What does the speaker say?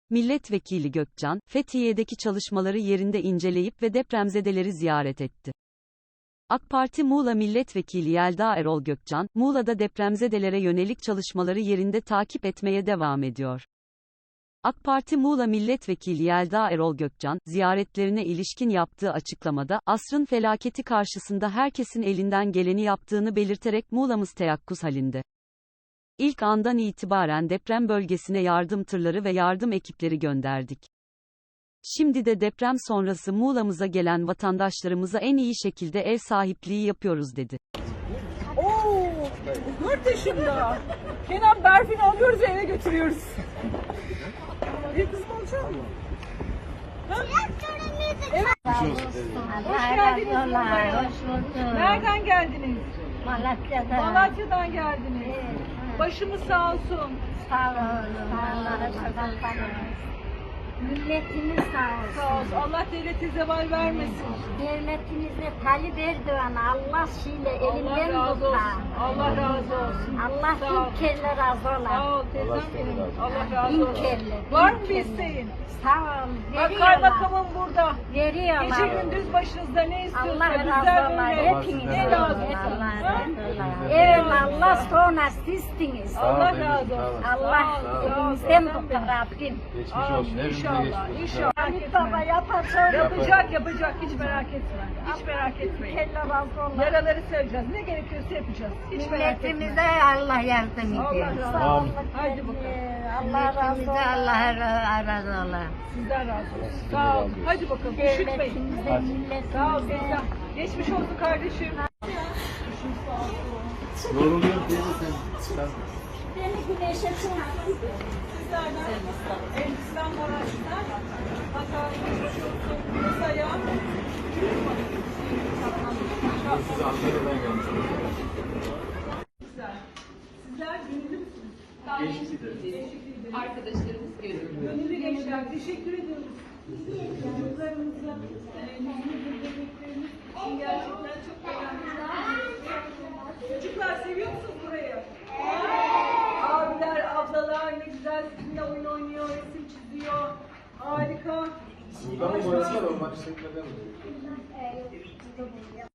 Milletvekili Gökcan, Fethiye'deki çalışmaları yerinde inceleyip ve depremzedeleri ziyaret etti. AK Parti Muğla Milletvekili Yelda Erol Gökcan, Muğla'da depremzedelere yönelik çalışmaları yerinde takip etmeye devam ediyor. AK Parti Muğla Milletvekili Yelda Erol Gökcan, ziyaretlerine ilişkin yaptığı açıklamada, asrın felaketi karşısında herkesin elinden geleni yaptığını belirterek Muğla'mız teyakkuz halinde. İlk andan itibaren deprem bölgesine yardım tırları ve yardım ekipleri gönderdik. Şimdi de deprem sonrası Muğla'mıza gelen vatandaşlarımıza en iyi şekilde ev sahipliği yapıyoruz dedi. Oo, 4 yaşında. Kenan Berfin'i alıyoruz eve götürüyoruz. Bir kızım olacak mı? Evet. Hoş geldiniz. Nereden geldiniz? Malatya'dan. Malatya'dan geldiniz. Başımız sağ olsun. Sağ olun. Allah'a şükür. Milletimiz sağ olsun. Sağ olsun. Allah devlete zeval vermesin. Devletimizde Tayyip Erdoğan Allah şeyle Allah elinden razı tutar. olsun. Allah razı olsun. Allah Sağ ol. tüm kelle razı ola. Sağ ol teyzem benim. Allah razı Bin olsun. kelle. Var bin mı bir kelle. isteğin? Sağ ol. Bak Veriyorlar. kaymakamım burada. Veriyorlar. Gece gündüz başınızda ne istiyorsa Allah bizler razı ola. böyle. Hepiniz. Ne lazım? Allah Ha? razı ola. Eyvallah sonra sizsiniz. Allah razı olsun. Allah elimizden tutar Rabbim. Geçmiş olsun. Hepimize İnşallah. geçmiş olsun. İnşallah. Ali Baba yapacak. Yapacak. Hiç merak etme. Hiç merak etmeyin. Kelle razı ola. Yaraları seveceğiz. Ne gerekiyorsa yapacağız. Hiç merak etme. Milletimize Allah yardım Allah ediyor. razı Amin. olsun. Haydi bakalım. Allah razı Milletimize olsun. Allah razı ola. Sizden razı olsun. Sağ olun. Hadi bakalım. Üşütmeyin. Devletimize, Sağ ol. milletimize. Teyzem. Geçmiş olsun kardeşim. Yoruluyor değil mi sen? Beni güneşe çıkartın. Sizlerden Elbistan Maraş'tan Hatta geçmiş olsun. Masaya. Siz Ankara'dan gelmişsiniz. Güzel. Sizler gönüllü müsünüz? Arkadaşlarımız görüyor. Gönüllü gençler. Teşekkür ediyoruz. Çocuklarımıza, yüzümüzün bebeklerimiz için gerçekten çok önemli. Çocuklar seviyor musunuz burayı? Abiler, ablalar ne güzel sizinle oyun oynuyor, resim çiziyor. Harika. Burada mı boyası var? Onlar çekmeden mi?